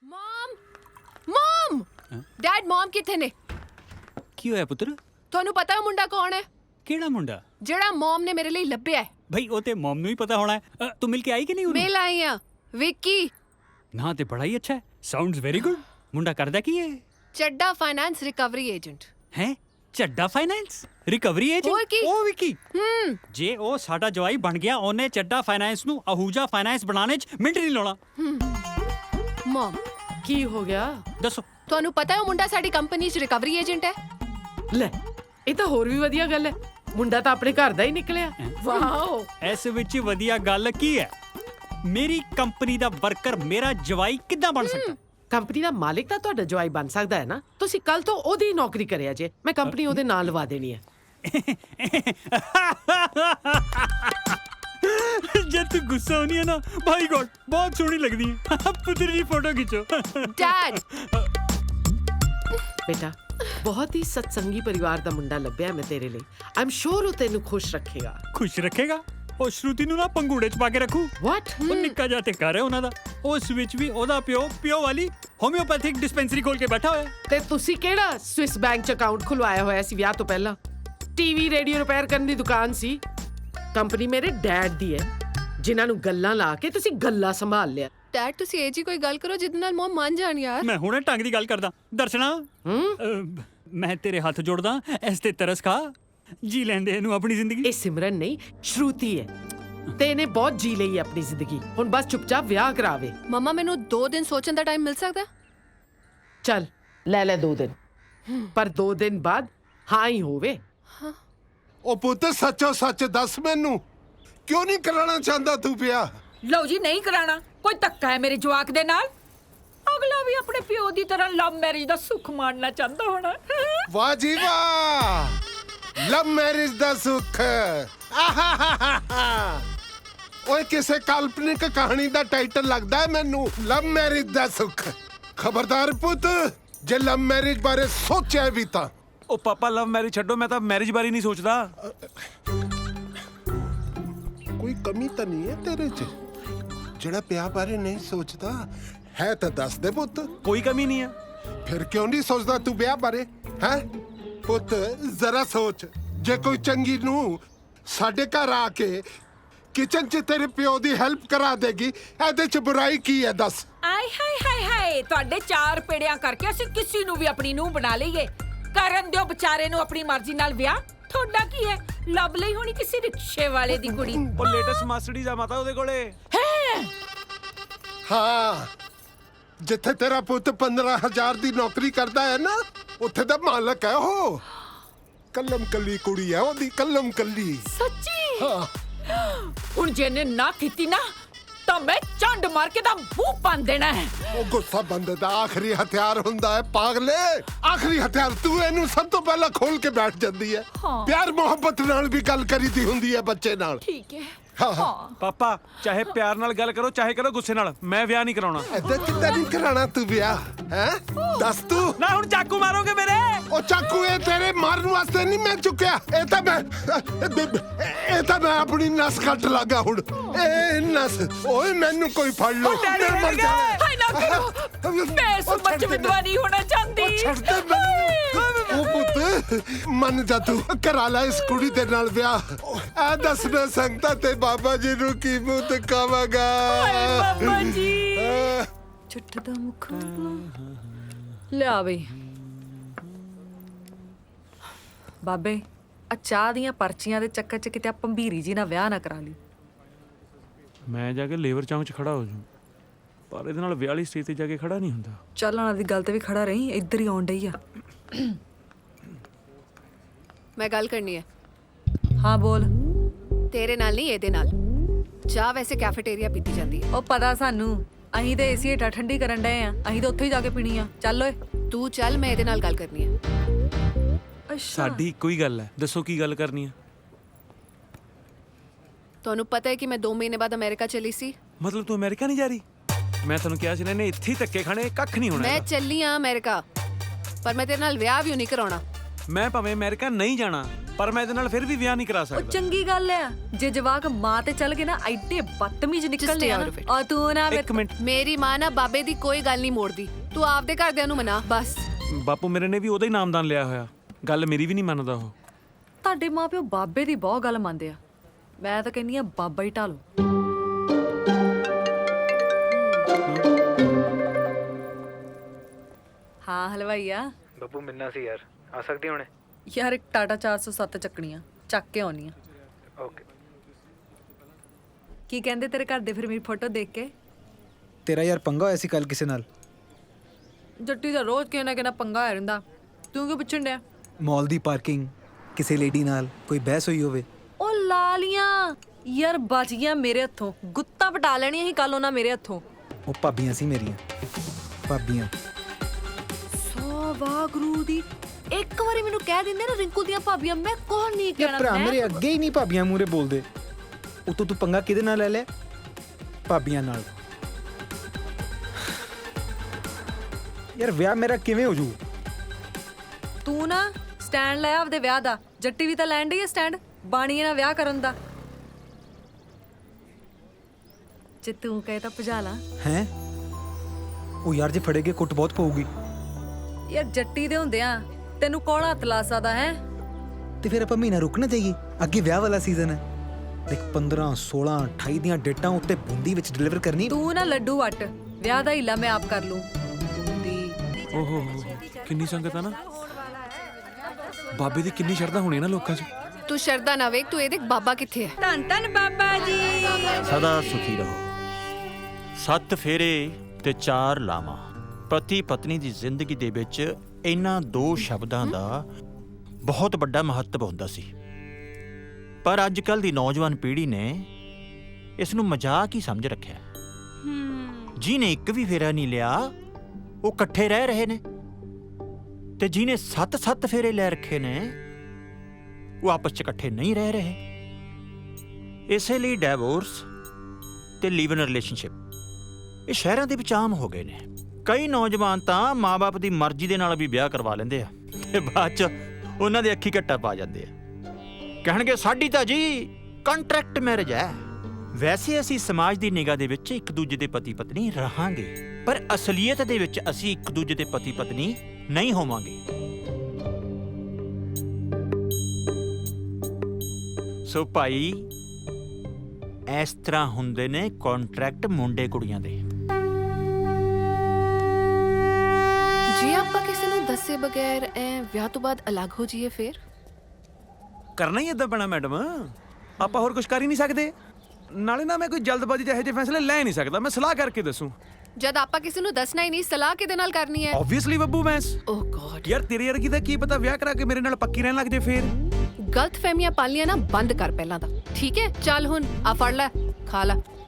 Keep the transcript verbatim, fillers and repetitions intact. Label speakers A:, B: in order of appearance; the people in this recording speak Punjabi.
A: ਮਮ ਮਮ ਡੈਡ ਮਮ ਕਿੱਥੇ ਨੇ?
B: ਕੀ ਹੋਇਆ ਪੁੱਤਰ?
A: ਤੁਹਾਨੂੰ ਪਤਾ ਉਹ ਮੁੰਡਾ ਕੌਣ ਹੈ?
B: ਕਿਹੜਾ ਮੁੰਡਾ?
A: ਜਿਹੜਾ ਮਮ ਨੇ ਮੇਰੇ ਲਈ ਲੱਭਿਆ ਹੈ।
B: ਭਾਈ ਉਹ ਤੇ ਮਮ ਨੂੰ ਹੀ ਪਤਾ ਹੋਣਾ ਹੈ। ਅ, ਤੂੰ ਮਿਲ ਕੇ ਆਈ ਕਿ ਨਹੀਂ ਉਹਨੂੰ?
A: ਮਿਲ ਆਈ ਆ ਵਿੱਕੀ।
B: ਨਾ ਤੇ ਬੜਾ ਹੀ ਅੱਛਾ ਹੈ। Sounds very good. ਮੁੰਡਾ ਕਰਦਾ ਕੀ ਹੈ?
A: Chadda finance recovery agent.
B: ਹੈ ਚੱਡਾ ਫਾਈਨਾਂਸ ਰਿਕਵਰੀ
A: ਹੋਰ
B: ਏਜੰਟ?
A: ਕੀ?
B: ਉਹ ਵਿੱਕੀ
A: ਹੂੰ
B: ਜੇ ਉਹ ਸਾਡਾ ਜਵਾਈ ਬਣ ਗਿਆ ਉਹਨੇ ਚੱਡਾ ਫਾਈਨਾਂਸ ਨੂੰ ਅਹੂਜਾ ਫਾਈਨਾਂਸ ਬਣਾਉਣੇ 'ਚ ਮਿੰਟ ਨਹੀਂ ਲਾਉਣਾ।
A: ਮਮ
C: ਕੀ ਹੋ ਗਿਆ?
B: ਦੱਸੋ।
A: ਤੁਹਾਨੂੰ ਪਤਾ ਹੈ ਉਹ ਮੁੰਡਾ ਸਾਡੀ ਕੰਪਨੀ 'ਚ ਰਿਕਵਰੀ ਏਜੰਟ ਹੈ।
C: ਲੈ ਇਹ ਤਾਂ ਹੋਰ ਵੀ ਵਧੀਆ ਗੱਲ ਹੈ। ਮੁੰਡਾ ਤਾਂ ਆਪਣੇ ਘਰ ਦਾ ਹੀ ਨਿਕਲਿਆ। ਵਾਓ।
B: ਇਸ ਵਿੱਚ ਵਧੀਆ ਗੱਲ ਕੀ ਹੈ? ਮੇਰੀ ਕੰਪਨੀ ਦਾ ਵਰਕਰ ਮੇਰਾ ਜਵਾਈ ਕਿੱਦਾਂ ਬਣ ਸਕਦਾ?
C: ਕੰਪਨੀ ਦਾ ਮਾਲਿਕ ਤਾਂ ਤੁਹਾਡਾ ਜਵਾਈ ਬਣ ਸਕਦਾ ਹੈ ਨਾ। ਤੁਸੀਂ ਕੱਲ ਤੋਂ ਉਹਦੀ ਨੌਕਰੀ ਕਰਿਆ ਜੇ। ਮੈਂ ਕੰਪਨੀ ਉਹਦੇ ਨਾਲ ਲਵਾ ਦੇਣੀ ਹੈ।
B: ਜਦ ਤੂੰ ਗੁੱਸਾ ਹੋਣੀ ਹੈ ਨਾ ਭਾਈ ਗੋਡ ਬਹੁਤ ਸੋਹਣੀ ਲੱਗਦੀ ਹੈ। ਪੁੱਤਰ ਦੀ ਫੋਟੋ ਖਿੱਚੋ।
A: ਡੈਡ
C: ਬੇਟਾ ਬਹੁਤ ਹੀ ਸਤਸੰਗੀ ਪਰਿਵਾਰ ਦਾ ਮੁੰਡਾ ਲੱਭਿਆ ਮੈਂ ਤੇਰੇ ਲਈ। ਆਈ ਐਮ ਸ਼ੋਰ ਉਹ ਤੈਨੂੰ ਖੁਸ਼ ਰੱਖੇਗਾ।
B: ਖੁਸ਼ ਰੱਖੇਗਾ? ਉਹ ਸ਼ਰੂਤੀ ਨੂੰ ਨਾ ਪੰਗੂੜੇ 'ਚ ਪਾ ਕੇ ਰੱਖੂ।
C: ਵਾਟ?
B: ਉਹ ਨਿੱਕਾ ਜਿਹਾ ਤੇ ਘਰ ਹੈ ਉਹਨਾਂ ਦਾ। ਉਸ ਵਿੱਚ ਵੀ ਉਹਦਾ ਪਿਓ ਪਿਓ ਵਾਲੀ ਹੋਮਿਓਪੈਥਿਕ ਡਿਸਪੈਂਸਰੀ ਖੋਲ ਕੇ ਬੈਠਾ ਹੋਇਆ।
C: ਤੇ ਤੁਸੀਂ ਕਿਹੜਾ ਸਵਿਸ ਬੈਂਕ 'ਚ ਅਕਾਊਂਟ ਖੁਲਵਾਇਆ ਹੋਇਆ ਸੀ ਵਿਆਹ ਤੋਂ ਪਹਿਲਾਂ? ਟੀਵੀ ਰੇਡੀਓ ਰਿਪੇਅਰ ਕਰਨ ਦੀ ਦੁਕਾਨ ਸੀ। ਕੰਪਨੀ ਮੇਰੇ ਡੈਡ ਦੀ ਹੈ ਜਿਨ੍ਹਾਂ ਨੂੰ ਗੱਲਾਂ ਲਾ ਕੇ ਤੁਸੀਂ ਗੱਲਾਂ ਸੰਭਾਲ ਲਿਆ।
A: ਡੈਡ ਤੁਸੀਂ ਇਹ ਜੀ ਕੋਈ ਗੱਲ ਕਰੋ ਜਿਹਦੇ ਨਾਲ ਮਮ ਮੰਨ ਜਾਣ ਯਾਰ।
B: ਮੈਂ ਹੁਣੇ ਟੰਗ ਦੀ ਗੱਲ ਕਰਦਾ। ਦਰਸ਼ਨਾ
C: ਹੂੰ
B: ਅਹ, ਮੈਂ ਤੇਰੇ ਹੱਥ ਜੋੜਦਾ ਇਸ ਤੇ ਤਰਸ ਖਾ। ਜੀ ਲੈਂਦੇ ਇਹਨੂੰ ਆਪਣੀ ਜ਼ਿੰਦਗੀ।
C: ਇਹ ਸਿਮਰਨ ਨਹੀਂ ਸ਼ਰੂਤੀ ਹੈ ਤੇ ਇਹਨੇ ਬਹੁਤ ਜੀ ਲਈ ਆਪਣੀ ਜ਼ਿੰਦਗੀ। ਹੁਣ ਬਸ ਚੁੱਪਚਾਪ ਵਿਆਹ ਕਰਾਵੇ।
A: ਮਮਾ ਮੈਨੂੰ ਦੋ ਦਿਨ ਸੋਚਣ ਦਾ ਟਾਈਮ ਮਿਲ ਸਕਦਾ?
C: ਚੱਲ ਲੈ ਲੈ ਦੋ ਦਿਨ, ਪਰ ਦੋ ਦਿਨ ਬਾਅਦ ਹਾਂ ਹੀ ਹੋਵੇ।
D: ਉਹ ਪੁੱਤ ਸੱਚੋ ਸੱਚ ਦੱਸ ਮੈਨੂੰ ਕਿਉਂ ਨਹੀਂ ਕਰਾਉਣਾ ਚਾਹੁੰਦਾ ਤੂੰ ਵਿਆਹ?
E: ਲਓ ਜੀ ਨਹੀਂ ਕਰਾਣਾ। ਕੋਈ ਧੱਕਾ ਹੈ ਮੇਰੇ ਜਵਾਕ ਦੇ ਨਾਲ? ਅਗਲਾ ਵੀ ਆਪਣੇ ਪਿਓ ਦੀ ਤਰ੍ਹਾਂ ਲਵ ਮੈਰਿਜ ਦਾ ਸੁੱਖ ਮਾਣਨਾ ਚਾਹੁੰਦਾ ਹੋਣਾ।
D: ਵਾਹ ਜੀ ਵਾਹ, ਲਵ ਮੈਰਿਜ ਦਾ ਸੁੱਖ। ਆਹਾਹਾਹਾ। ਓਏ ਕਿਸੇ ਕਾਲਪਨਿਕ ਕਹਾਣੀ ਦਾ ਟਾਈਟਲ ਲੱਗਦਾ ਹੈ ਮੈਨੂੰ, ਲਵ ਮੈਰਿਜ ਦਾ ਸੁੱਖ। ਖਬਰਦਾਰ ਪੁੱਤ ਜੇ ਲਵ ਮੈਰਿਜ ਬਾਰੇ ਸੋਚਿਆ ਵੀ ਤਾਂ।
F: ਉਹ ਪਾਪਾ ਲਵ ਮੈਰਿਜ ਛੱਡੋ, ਮੈਂ ਤਾਂ ਮੈਰਿਜ ਬਾਰੇ ਨਹੀਂ ਸੋਚਦਾ।
D: ਕੋਈ ਕਮੀ ਤਾਂ ਨਹੀਂ ਹੈ ਤੇਰੇ 'ਚ ਜਿਹੜਾ ਵਿਆਹ ਬਾਰੇ ਨਹੀਂ ਸੋਚਦਾ? ਹੈ ਤਾਂ ਦੱਸ ਦੇ ਪੁੱਤ।
F: ਕੋਈ ਕਮੀ ਨਹੀਂ ਆ।
D: ਫਿਰ ਕਿਉਂ ਨਹੀਂ ਸੋਚਦਾ ਤੂੰ ਵਿਆਹ ਬਾਰੇ? ਹੈ ਪੁੱਤ ਜ਼ਰਾ ਸੋਚ, ਜੇ ਕੋਈ ਚੰਗੀ ਨੂੰ ਸਾਡੇ ਘਰ ਆ ਕੇ ਕਿਚਨ 'ਚ ਤੇਰੇ ਪਿਓ ਦੀ ਹੈਲਪ ਕਰਾ ਦੇਗੀ, ਇਹਦੇ 'ਚ ਬੁਰਾਈ ਕੀ ਹੈ ਦੱਸ?
E: ਆਏ ਹਾਏ ਹਾਏ ਹਾਏ, ਤੁਹਾਡੇ ਚਾਰ ਪੇੜਿਆਂ ਕਰਕੇ ਅਸੀਂ ਕਿਸੇ ਨੂੰ ਵੀ ਆਪਣੀ ਨੂੰਹ ਬਣਾ ਲਈਏ। ਕਰਨ ਦਿਓ ਵਿਚਾਰੇ ਨੂੰ ਆਪਣੀ ਮਰਜ਼ੀ ਨਾਲ ਵਿਆਹ। ਤੁਹਾਡਾ ਕੀ ਹੈ? ਲੱਭ ਲਈ ਹੋਣੀ ਕਿਸੇ ਰਿਕਸ਼ੇ ਵਾਲੇ ਦੀ ਕੁੜੀ।
F: ਉਹ ਲੇਟੈਸਟ ਮਾਸਟਰੀ ਜਾ ਮਾਤਾ ਉਹਦੇ ਕੋਲੇ।
D: ਹਾਂ, ਜਿੱਥੇ ਤੇਰਾ ਪੁੱਤ ਪੰਦਰਾਂ ਹਜ਼ਾਰ ਦੀ ਨੌਕਰੀ ਕਰਦਾ ਹੈ ਨਾ, ਉੱਥੇ ਦਾ ਮਾਲਕ ਹੈ ਉਹ। ਕੱਲਮ ਕੱਲੀ ਕੁੜੀ ਹੈ ਉਹਦੀ, ਕੱਲਮ ਕੱਲੀ।
E: ਸੱਚੀ?
D: ਹਾਂ।
E: ਹੁਣ ਜੇ ਇਹਨੇ ਨਾ ਕੀਤੀ ਨਾ ਤਾਂ ਮੈਂ ਚੰਡ ਮਾਰ ਕੇ ਦਾ ਮੂੰਹ ਬੰਨ ਦੇਣਾ ਹੈ।
D: ਉਹ ਗੁੱਸਾ ਬੰਦੇ ਦਾ ਆਖਰੀ ਹਥਿਆਰ ਹੁੰਦਾ ਹੈ ਪਾਗਲੇ। ਆਖਰੀ ਹਥਿਆਰ ਤੂੰ ਇਹਨੂੰ ਸਭ ਤੋਂ ਪਹਿਲਾਂ ਖੋਲ ਕੇ ਬੈਠ ਜਾਂਦੀ ਹੈ।
E: ਹਾਂ।
D: ਪਿਆਰ ਮੁਹੱਬਤ ਨਾਲ ਵੀ ਗੱਲ ਕਰੀਦੀ ਹੁੰਦੀ ਹੈ ਬੱਚੇ ਨਾਲ।
E: ਠੀਕ ਹੈ।
D: ਹਾਂ ਹਾਂ,
F: ਪਾਪਾ ਚਾਹੇ ਪਿਆਰ ਨਾਲ ਗੱਲ ਕਰੋ ਚਾਹੇ ਕਰੋ ਗੁੱਸੇ ਨਾਲ, ਮੈਂ ਵਿਆਹ ਨਹੀਂ ਕਰਾਉਣਾ।
D: ਏਦਾਂ ਕਿੱਦਾਂ ਨਹੀਂ ਕਰਾਣਾ ਤੂੰ ਵਿਆਹ? ਹੈ ਦੱਸ ਤੂੰ।
F: ਨਾ ਹੁਣ ਚਾਕੂ ਮਾਰੋਗੇ ਮੇਰੇ।
D: ਉਹ ਚਾਕੂ ਇਹ ਤੇਰੇ ਮਾਰਨ ਵਾਸਤੇ ਨਹੀਂ ਮੈਂ ਚੁੱਕਿਆ, ਇਹ ਤਾਂ ਮੈਂ ਇਹ ਤਾਂ ਮੈਂ ਆਪਣੀ ਨਸ ਕੱਟ ਲੱਗਾ ਹੁਣ। ਇਹ ਨਸ। ਓਏ ਮੈਨੂੰ ਕੋਈ ਫੜ ਲੋ।
F: ਡੈਡੀ
D: ਮੈਂ ਮਰ ਜਾਣਾ।
E: ਹਾਏ ਨਾ ਕਰੋ, ਮੈਂ ਇਸ ਉਮਰ 'ਚ ਵਿਧਵਾ ਨਹੀਂ ਹੋਣਾ ਚਾਹੁੰਦੀ।
D: ਉਹ ਛੱਡ ਦੇ ਮੈਨੂੰ। ਉਹ ਪੁੱਤ ਮੰਨ ਜਾ ਤੂੰ, ਕਰਾ ਲੈ ਇਸ ਕੁੜੀ ਦੇ ਨਾਲ ਵਿਆਹ। ਆ ਦੱਸ ਮੈਂ ਸੰਗਤਾਂ ਤੇ ਬਾਬਾ ਜੀ ਨੂੰ ਕੀ ਮੂੰਹ ਦਿਖਾਵਾਂਗਾ?
E: ਹਾਏ ਬਾਬਾ ਜੀ।
D: ਆਹ,
A: ਚੁੱਟ ਦਾ ਮੁਖ ਲਿਆ ਬਈ।
G: ਬਾਬੇ ਆ ਚਾਹ ਦੀਆਂ ਪਰਚੀਆਂ ਦੇ ਚੱਕਰ 'ਚ ਕਿਤੇ ਆ ਭੰਬੀਰੀ ਜੀ ਨਾਲ ਵਿਆਹ ਨਾ ਕਰਾ ਲਈ।
F: ਮੈਂ ਜਾ ਕੇ ਲੇਬਰ ਚੌਂਕ 'ਚ ਖੜਾ ਹੋ ਜੂ, ਪਰ ਇਹਦੇ ਨਾਲ ਵਿਆਹ ਵਾਲੀ ਸਟੇਜ ਤੇ ਜਾ ਕੇ ਖੜਾ ਨਹੀਂ ਹੁੰਦਾ।
G: ਚੱਲ ਉਹਨਾਂ ਦੀ ਗੱਲ ਤੇ ਵੀ ਖੜਾ ਰਹੀਂ, ਇੱਧਰ ਹੀ ਆਉਣ ਡਈ ਆ।
A: ਮੈਂ ਗੱਲ ਕਰਨੀ ਹੈ
G: ਹਾਂ ਬੋਲ।
A: ਤੇਰੇ ਨਾਲ ਨਹੀਂ, ਇਹਦੇ ਨਾਲ। ਚਾਹ ਵੈਸੇ ਕੈਫੇਟੇਰੀਆ ਪੀਤੀ ਜਾਂਦੀ ਹੈ।
G: ਉਹ ਪਤਾ ਸਾਨੂੰ, ਅਸੀਂ ਤੇ ਏਸੀ ਹੇਠਾਂ ਠੰਡੀ ਕਰਨ ਡਏ ਆ। ਅਸੀਂ ਤਾਂ ਉੱਥੇ ਹੀ ਜਾ ਕੇ ਪੀਣੀ ਆ। ਚੱਲ ਓਏ।
A: ਤੂੰ ਚੱਲ, ਮੈਂ ਇਹਦੇ ਨਾਲ ਗੱਲ ਕਰਨੀ ਹੈ।
G: ਅੱਛਾ
F: ਸਾਡੀ ਇੱਕੋ ਹੀ ਗੱਲ ਹੈ, ਦੱਸੋ ਕੀ ਗੱਲ ਕਰਨੀ ਆ?
A: ਤੁਹਾਨੂੰ ਪਤਾ ਹੈ ਕਿ ਮੈਂ ਦੋ ਮਹੀਨੇ ਬਾਅਦ ਅਮਰੀਕਾ ਚਲੀ ਸੀ।
F: ਮਤਲਬ ਤੂੰ ਅਮਰੀਕਾ ਨਹੀਂ ਜਾ ਰਹੀ? ਮੈਂ ਤੁਹਾਨੂੰ ਕਿਹਾ ਸੀ ਨਾ ਇਹਨੇ ਇੱਥੇ ਹੀ ਧੱਕੇ ਖਾਣੇ, ਕੱਖ ਨਹੀਂ ਹੋਣਾ
A: ਮੈਂ
F: ਇਹਦਾ।
A: ਚੱਲੀ ਆ ਅਮਰੀਕਾ, ਪਰ ਮੈਂ ਤੇਰੇ ਨਾਲ ਵਿਆਹ ਵੀ ਨਹੀਂ ਕਰਾਉਣਾ।
F: ਮੈਂ ਭਾਵੇਂ ਅਮਰੀਕਾ ਨਹੀਂ ਜਾਣਾ, ਪਰ ਮੈਂ ਇਹਦੇ ਨਾਲ ਫਿਰ ਵੀ ਵਿਆਹ ਨਹੀਂ ਕਰਾ
G: ਉਹ
F: ਸਕਦਾ।
G: ਚੰਗੀ ਗੱਲ ਆ ਜੇ ਜਵਾਕ ਮਾਂ ਤੇ ਚੱਲ ਗਏ ਨਾ ਐਡੇ ਬਦਤਮੀਜ਼ ਨਿਕਲਦੇ ਆ
A: out of it.
G: ਆ ਤੂੰ ਨਾ
F: ਇੱਕ ਮਿੰਟ,
A: ਮੇਰੀ ਮਾਂ ਨਾ ਬਾਬੇ ਦੀ ਕੋਈ ਗੱਲ ਨਹੀਂ ਮੋੜਦੀ। ਤੂੰ ਆਪਦੇ ਘਰਦਿਆਂ ਨੂੰ ਮਨਾ ਬਸ।
F: ਬਾਪੂ ਮੇਰੇ ਨੇ ਵੀ ਉਹਦਾ ਹੀ ਨਾਮਦਾਨ ਲਿਆ ਹੋਇਆ, ਗੱਲ ਮੇਰੀ ਵੀ ਨਹੀਂ ਮੰਨਦਾ ਉਹ।
G: ਤੁਹਾਡੇ ਮਾਪਿਓ ਬਾਬੇ ਦੀ ਬਹੁਤ ਗੱਲ ਮੰਨਦੇ ਆ, ਮੈਂ ਤਾਂ ਕਹਿੰਨੀ ਆ ਬਾਬਾ ਹੀ ਢਾਲੋ। ਹਾਂ ਹਲਵਾਈਆ
H: ਬੱਬੂ ਮਿਲਣਾ ਸੀ ਯਾਰ, ਆ ਸਕਦੀ ਹੁਣੇ?
G: ਯਾਰ ਇੱਕ ਟਾਟਾ ਚਾਰ ਸੌ ਸੱਤ ਚੱਕਣੀਆਂ, ਚੱਕ ਕੇ ਆਉਣੀ ਆ।
H: ਓਕੇ।
G: ਕੀ ਕਹਿੰਦੇ ਤੇਰੇ ਘਰ ਦੇ ਫਿਰ ਮੇਰੀ ਫੋਟੋ ਦੇਖ ਕੇ?
I: ਤੇਰਾ ਯਾਰ ਪੰਗਾ ਹੋਇਆ ਸੀ ਕੱਲ ਕਿਸੇ ਨਾਲ?
G: ਜੱਟੀ ਦਾ ਰੋਜ਼ ਕਿਸੇ ਨਾ ਕਿਸੇ ਨਾਲ ਪੰਗਾ ਹੋਇਆ ਰਹਿੰਦਾ, ਤੂੰ ਕਿਉਂ ਪੁੱਛਣ ਡਿਆ?
I: ਮਾਲ ਦੀ ਪਾਰਕਿੰਗ, ਕਿਸੇ ਲੇਡੀ ਨਾਲ ਕੋਈ ਬਹਿਸ ਹੋਈ ਹੋਵੇ?
G: ਉਹ ਲਾਲੀਆਂ ਯਾਰ ਬਚ ਗਿਆ ਮੇਰੇ ਹੱਥੋਂ, ਗੁੱਤਾ ਪਟਾ ਲੈਣੀਆਂ ਸੀ ਕੱਲ ਉਹਨਾਂ ਮੇਰੇ ਹੱਥੋਂ।
I: ਉਹ ਭਾਬੀਆਂ ਸੀ ਮੇਰੀਆਂ, ਭਾਬੀਆਂ।
G: ਸੋ ਵਾਗਰੂ ਦੀ ਇੱਕ ਵਾਰੀ ਮੈਨੂੰ ਕਹਿ ਦਿੰਦੇ ਨਾ ਰਿੰਕੂ ਦੀਆਂ ਭਾਬੀਆਂ, ਮੈਂ ਕੋਹ ਨਹੀਂ
I: ਯਾਰ
G: ਕਹਿਣਾ।
I: ਭਰਾ
G: ਮੈਂ-
I: ਮੇਰੇ ਅੱਗੇ ਹੀ ਨਹੀਂ ਭਾਬੀਆਂ ਮੂਹਰੇ ਬੋਲਦੇ। ਉਤੋਂ ਤੂੰ ਪੰਗਾ ਕਿਹਦੇ ਨਾਲ ਲੈ ਲਿਆ? ਭਾਬੀਆਂ ਨਾਲ। ਯਾਰ ਵਿਆਹ ਮੇਰਾ ਕਿਵੇਂ ਹੋ ਜੂ?
G: ਤੂੰ ਨਾ ਸਟੈਂਡ ਲੈ ਆਪਦੇ ਵਿਆਹ ਦਾ, ਜੱਟੀ ਵੀ ਤਾਂ ਲੈਣ ਡਈ ਹੈ ਸਟੈਂਡ ਬਾਣੀਏ ਨਾਲ ਵਿਆਹ ਕਰਨ ਦਾ। ਜੇ ਤੂੰ ਕਹੇ ਤਾਂ ਭਜਾ ਲਾ।
I: ਹੈਂ? ਉਹ ਯਾਰ ਜੇ ਫੜੇਗੇ ਕੁੱਟ ਬਹੁਤ ਪਊਗੀ।
G: ਯਾਰ ਜੱਟੀ ਦੇ ਹੁੰਦਿਆਂ ਤੈਨੂੰ ਕੌਣ ਹੱਥ ਲਾ ਸਕਦਾ ਹੈ?
I: ਤੇ ਫਿਰ ਆਪਾਂ ਮਹੀਨਾ ਰੁਕਣਾ ਚਾਹੀਏ, ਅੱਗੇ ਵਿਆਹ ਵਾਲਾ ਸੀਜ਼ਨ ਹੈ। ਦੇਖ ਪੰਦਰਾਂ ਸੋਲਾਂ ਅਠਾਈ ਦੀਆਂ ਡੇਟਾਂ ਉੱਤੇ ਬੂੰਦੀ ਵਿੱਚ ਡਿਲੀਵਰ ਕਰਨੀ।
G: ਤੂੰ ਨਾ ਲੱਡੂ ਵੱਟ, ਵਿਆਹ ਦਾ ਹੀਲਾ ਮੈਂ ਆਪ ਕਰ ਲੂੰ। ਬੂੰਦੀ
F: ਓਹੋ ਹੋ, ਕਿੰਨੀ ਸੰਗਤ ਆ ਨਾ, ਬਾਬੇ ਦੀ ਕਿੰਨੀ ਸ਼ਰਧਾ ਹੋਣੀ ਨਾ ਲੋਕਾਂ 'ਚ।
A: ਤੂੰ ਸ਼ਰਦਾ ਨਾ ਵੇਖ, ਤੂੰ ਇਹ ਦੇਖ ਬਾਬਾ ਕਿੱਥੇ ਹੈ।
E: ਧੰਨ ਧੰਨ ਬਾਬਾ ਜੀ।
J: ਸਦਾ ਸੁਖੀ ਰਹੋ। ਸੱਤ ਫੇਰੇ ਤੇ ਚਾਰ ਲਾਵਾਂ। ਪਤੀ ਪਤਨੀ ਦੀ ਜ਼ਿੰਦਗੀ ਦੇ ਵਿੱਚ ਇਹਨਾਂ ਦੋ ਸ਼ਬਦਾਂ ਦਾ ਬਹੁਤ ਵੱਡਾ ਮਹੱਤਵ ਹੁੰਦਾ ਸੀ, ਪਰ ਅੱਜ ਕੱਲ੍ਹ ਦੀ ਨੌਜਵਾਨ ਪੀੜ੍ਹੀ ਨੇ ਇਸ ਨੂੰ ਮਜ਼ਾਕ ਹੀ ਸਮਝ ਰੱਖਿਆ। ਜਿਹਨੇ ਇੱਕ ਵੀ ਫੇਰਾ ਨਹੀਂ ਲਿਆ ਉਹ ਇਕੱਠੇ ਰਹਿ ਰਹੇ ਨੇ, ਤੇ ਜਿਹਨੇ ਸੱਤ ਸੱਤ ਫੇਰੇ ਲੈ ਰੱਖੇ ਨੇ ਉਹ ਆਪਸ 'ਚ ਇਕੱਠੇ ਨਹੀਂ ਰਹਿ ਰਹੇ। ਇਸੇ ਲਈ ਡਾਈਵੋਰਸ ਤੇ ਲਿਵ ਇਨ ਰਿਲੇਸ਼ਨਸ਼ਿਪ ਇਹ ਸ਼ਹਿਰਾਂ ਦੇ ਵਿੱਚ ਆਮ ਹੋ ਗਏ ਨੇ। ਕਈ ਨੌਜਵਾਨ ਤਾਂ ਮਾਂ-ਬਾਪ ਦੀ ਮਰਜ਼ੀ ਦੇ ਨਾਲ ਵੀ ਵਿਆਹ ਕਰਵਾ ਲੈਂਦੇ ਆ ਤੇ ਬਾਅਦ 'ਚ ਉਹਨਾਂ ਦੇ ਅੱਖੀ ਘੱਟਾ ਪਾ ਜਾਂਦੇ ਆ। ਕਹਿਣਗੇ ਸਾਡੀ ਤਾਂ ਜੀ ਕੰਟਰੈਕਟ ਮੈਰਿਜ ਹੈ। ਵੈਸੇ ਅਸੀਂ ਸਮਾਜ ਦੀ ਨਿਗਾਹ ਦੇ ਵਿੱਚ ਇੱਕ ਦੂਜੇ ਦੇ ਪਤੀ ਪਤਨੀ ਰਹਾਂਗੇ, ਪਰ ਅਸਲੀਅਤ ਦੇ ਵਿੱਚ ਅਸੀਂ ਇੱਕ ਦੂਜੇ ਦੇ ਪਤੀ ਪਤਨੀ ਨਹੀਂ ਹੋਵਾਂਗੇ। ਸੋ ਭਾਈ ਇਸ ਤਰ੍ਹਾਂ ਹੁੰਦੇ ਨੇ ਕੰਟਰੈਕਟ ਮੁੰਡੇ ਕੁੜੀਆਂ ਦੇ।
A: ਜੇ ਆਪਾਂ ਕਿਸੇ ਨੂੰ ਦੱਸੇ ਬਗੈਰ ਐ ਵਿਆਹ ਤੋਂ ਬਾਅਦ ਅਲੱਗ ਹੋ ਜਾਈਏ ਫਿਰ?
F: ਕਰਨਾ ਹੀ ਏਦਾਂ ਪੈਣਾ ਮੈਡਮ, ਆਪਾਂ ਹੋਰ ਕੁਝ ਕਰ ਹੀ ਨਹੀਂ ਸਕਦੇ। ਨਾਲੇ ਨਾ ਮੈਂ ਕੋਈ ਜਲਦਬਾਜ਼ੀ ਜਿਹੇ ਜਿਹੇ ਫੈਸਲੇ ਲੈ ਨਹੀਂ ਸਕਦਾ, ਮੈਂ ਸਲਾਹ ਕਰਕੇ ਦੱਸੂ।
A: ਜਦ ਆਪਾਂ ਕਿਸੇ ਨੂੰ ਦੱਸਣਾ ਹੀ ਨਹੀਂ, ਸਲਾਹ ਕਿਹਦੇ ਨਾਲ ਕਰਨੀ ਹੈ?
F: ਆਬਵੀਅਸਲੀ ਬੱਬੂ ਮੈਂ
A: ਓਹ ਗॉड,
F: ਯਾਰ ਤੇਰੇ ਵਰਗੀ ਦਾ ਕੀ ਪਤਾ ਵਿਆਹ ਕਰਾ ਕੇ ਮੇਰੇ ਨਾਲ ਪੱਕੀ ਰਹਿਣ ਲੱਗ ਜੇ ਫੇਰ।
A: ਗਲਤ ਫਹਿਮੀਆਂ ਪਾਲੀਆਂ ਨਾ ਬੰਦ ਕਰ ਪਹਿਲਾਂ ਤਾਂ, ਠੀਕ ਹੈ? ਚੱਲ ਹੁਣ ਆ ਫੜ ਲੈ, ਖਾ ਲੈ।